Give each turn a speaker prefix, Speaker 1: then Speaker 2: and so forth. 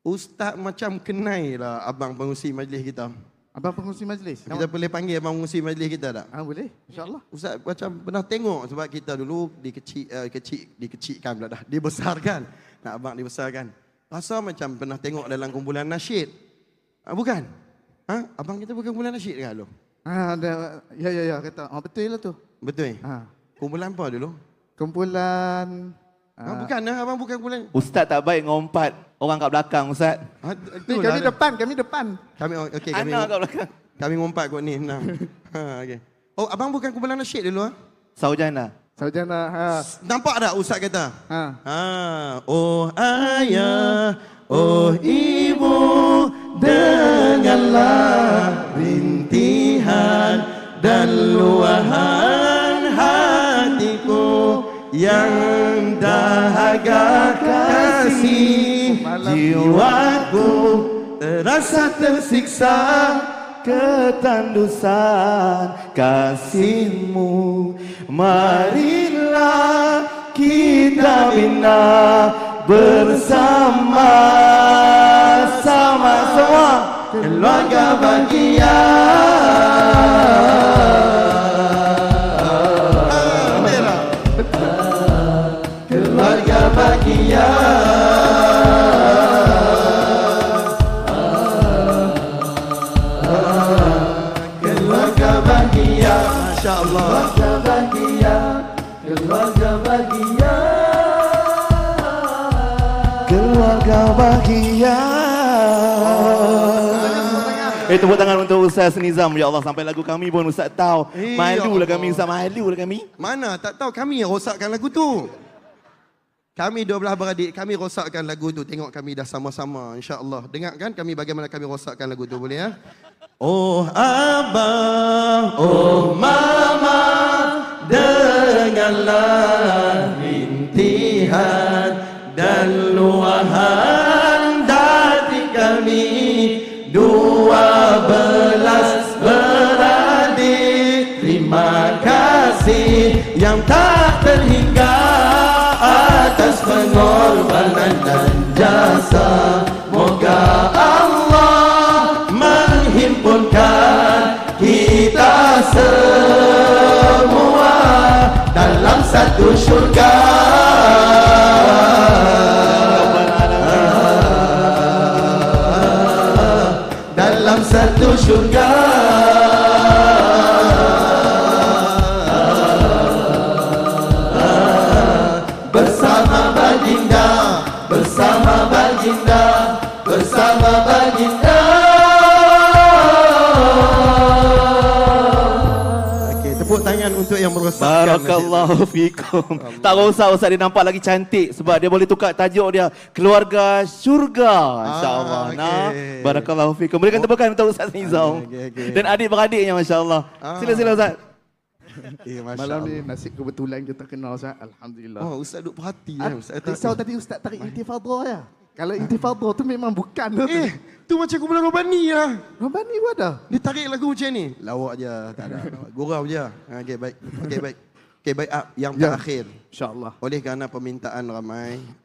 Speaker 1: Ustaz macam kenai lah abang pengurusi majlis kita.
Speaker 2: Abang pengurusi majlis?
Speaker 1: Kita boleh panggil abang pengurusi majlis kita tak?
Speaker 2: Boleh, insyaAllah.
Speaker 1: Ustaz macam pernah tengok sebab kita dulu dikecilkan pula dah. Dibesarkan. Nak abang dibesarkan. Rasa macam pernah tengok dalam kumpulan nasyid. Bukan? Abang kita bukan kumpulan nasyid ke lu?
Speaker 2: Ya, kata. Betul lah tu.
Speaker 1: Betul? Kumpulan apa dulu?
Speaker 2: Kumpulan...
Speaker 1: bukan lah, abang bukan kumpulan.
Speaker 3: Ustaz tak baik ngompat orang kat belakang, Ustaz.
Speaker 2: Kami depan.
Speaker 1: Okey,
Speaker 3: Anak kat belakang.
Speaker 1: Kami ngompat kot ni. Okay. Oh, abang bukan kumpulan nasyid dulu?
Speaker 3: Saujana.
Speaker 1: Nampak tak Ustaz kata? Oh ayah, oh ibu, dengarlah rintihan dan luahan hatiku yang dahaga kasih. Jiwaku terasa tersiksa
Speaker 3: Ketandusan kasihmu, marilah kita bina bersama-sama semua keluarga bahagia. Keluarga bahagia.
Speaker 1: Masya Allah.
Speaker 3: Keluarga bahagia. Keluarga bahagia. Tepuk tangan untuk Ustaz Nizam. Ya Allah, sampai lagu kami pun Ustaz tahu. Malulah kami, Ustaz, malulah kami.
Speaker 1: Mana? Tak tahu kami yang rosakkan lagu tu. Kami 12 beradik, kami rosakkan lagu tu. Tengok kami dah sama-sama, insya-Allah. Dengar kan kami bagaimana kami rosakkan lagu tu, boleh ya? Oh abang, oh mama, dengarlah rintihan dan luahan hati kami 12 beradik. Terima kasih yang tak terhingga atas pengorbanan dan jasa. Moga Allah menghimpunkan kita semua dalam satu syurga. Dalam satu syurga. Bersama baginda, bersama baginda, bersama baginda. Okey, tepuk tangan untuk yang merosakkan.
Speaker 3: Barakallahu fikum. Tak usah Ustaz, dia nampak lagi cantik sebab dia boleh tukar tajuk dia Keluarga Syurga. InsyaAllah.
Speaker 1: Okay.
Speaker 3: Barakallahu fikum. Berikan tepukan untuk Ustaz Nizam.
Speaker 1: Okay.
Speaker 3: Dan adik-beradiknya, masya-Allah. Sila Ustaz.
Speaker 2: Malam ni nasib kebetulan kita kenal, Ustaz. Alhamdulillah.
Speaker 1: Oh, Ustaz duk perhati ya.
Speaker 2: Risau tadi Ustaz tarik intifadhah ya. Kalau intifadhah tu memang bukan tu.
Speaker 1: Tu macam kumpulan Robani lah.
Speaker 2: Robani pun ada.
Speaker 1: Dia tarik lagu macam ni. Lawak je, tak ada. Gurau je. Okey, baik. Okey, baik. Yang terakhir.
Speaker 2: InsyaAllah.
Speaker 1: Oleh kerana permintaan ramai,